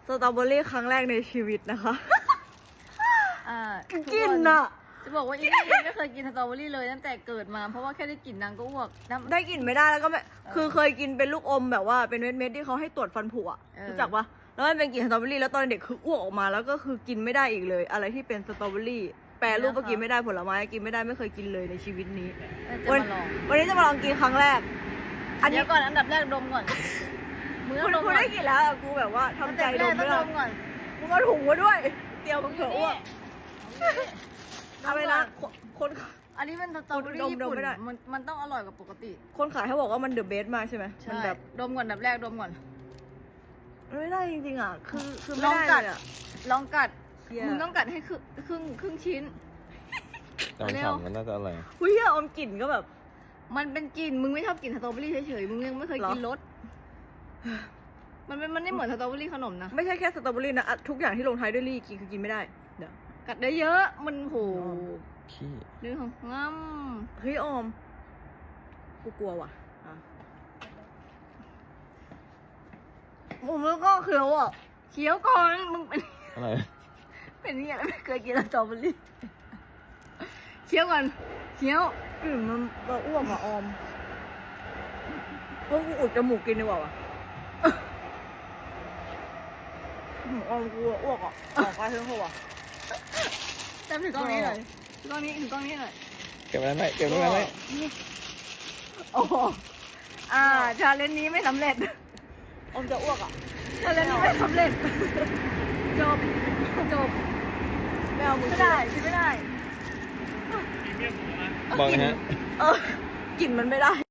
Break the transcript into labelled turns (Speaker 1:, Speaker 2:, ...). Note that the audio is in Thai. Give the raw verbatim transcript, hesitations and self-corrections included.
Speaker 1: สตรอเบอรี่ครั้งแรกในชีวิตนะคะ
Speaker 2: อ่า
Speaker 1: กินอะ
Speaker 2: จะบอกว่าอีนี่ไม่เคยกินสตรอเบอรี่เลยตั้งแต่เกิดมาเพราะว่าแค่ได้กลิ่นนางก็อ้วก
Speaker 1: ได้กลิ่นไม่ได้แล้วก็ไม่คือเคยกินเป็นลูกอมแบบว่าเป็นเม็ดๆที่เขาให้ตรวจฟันผุอะรู้จักปะแล้วมันเป็นกลิ่นสตรอเบอรี่แล้วตอนเด็กคืออ้วกออกมาแล้วก็คือกินไม่ได้อีกเลย อะไรที่เป็นสตรอเบอรี่แปรรูปก็กินไม่ได้ผลไม้กินไม่ได้ไม่เคยกินเลยในชีวิตนี้วันวันนี้จะมาลองกินครั้งแรก
Speaker 2: อันนี้ก่อนอันดับแรกดมก่อน
Speaker 1: มึงกูได้กินแล้วกูแบบว่าทำใจดมไม่ได้มึงเอาถุงมาด้วยเตียวมึงเถอะอ้วกอะไรนะคน
Speaker 2: อันนี้มันสตรอเบอรี่ญี่ปุ่นมันมันต้องอร่อยกว่าปกติ
Speaker 1: คนขายเขาบอกว่ามันเดอะเบสมากใช่ไหมมันแบบ
Speaker 2: ดมก่อนอันดับแรกดมก่อน
Speaker 1: ไม่ได้จริงๆอ่ะคือคือไม่ได้เลยอ่ะ
Speaker 2: ลองกัดมึงต้องกัดให้ครึ่งครึ่งครึ่งชิ้น
Speaker 3: ตอนฉ่ำมันน่าจะอร่อย
Speaker 1: หุ้ยอมกลิ่นก็แบบ
Speaker 2: มันเป็นกลิ่นมึงไม่ชอบกลิ่นสตรอเบอรี่เฉยๆมึงยังไม่เคยกินรสมันเป็นมันไม่เหมือนสตรอเบอรี่ขนมนะ
Speaker 1: ไม่ใช่แค่สตรอเบอรี่นะทุกอย่างที่ลงท้ายด้วยรี่กินคือกินไม่ได้เดี๋ยว
Speaker 2: กัดได้เยอะมันโห
Speaker 3: ขี้
Speaker 2: เรื่องของงั้ม
Speaker 1: เฮ้ยอมกูกลัวว่ะผมแล้วก็เคี้ยวอ่ะ
Speaker 2: เคี้ยวก่อนมึงเป็น
Speaker 3: อะไร
Speaker 2: เป็นนี่อะไรไม่เคยกินสตรอเบอรี่เคี้ยวก่อนเคี้ยว
Speaker 1: กลิ่นมันก็อ้วกอ่ะอมพวกกูอุดจมูกกินดีกว่าว่ะอมกูอ้วกอ่ะออกไปเถอะว่ะ
Speaker 2: แต่ถึงกล้องนี้หน่อยถึงกล้องนี้ถึงกล้องนี้หน่อย
Speaker 3: เก็บไว้ไหมเก็บไว้ไหม
Speaker 2: โอ้อ่าชาเลนจ์นี้ไม่สำเร็จ
Speaker 1: อมจะอ้วกอ่ะ
Speaker 2: ชาเลนจ์นี้ไม่สำเร็จจบจบ
Speaker 1: ไม่เอามือ
Speaker 2: ไม่ได้กินไม่ได้
Speaker 3: บอกนะฮะ
Speaker 1: เออกลิ่นมันไม่ได้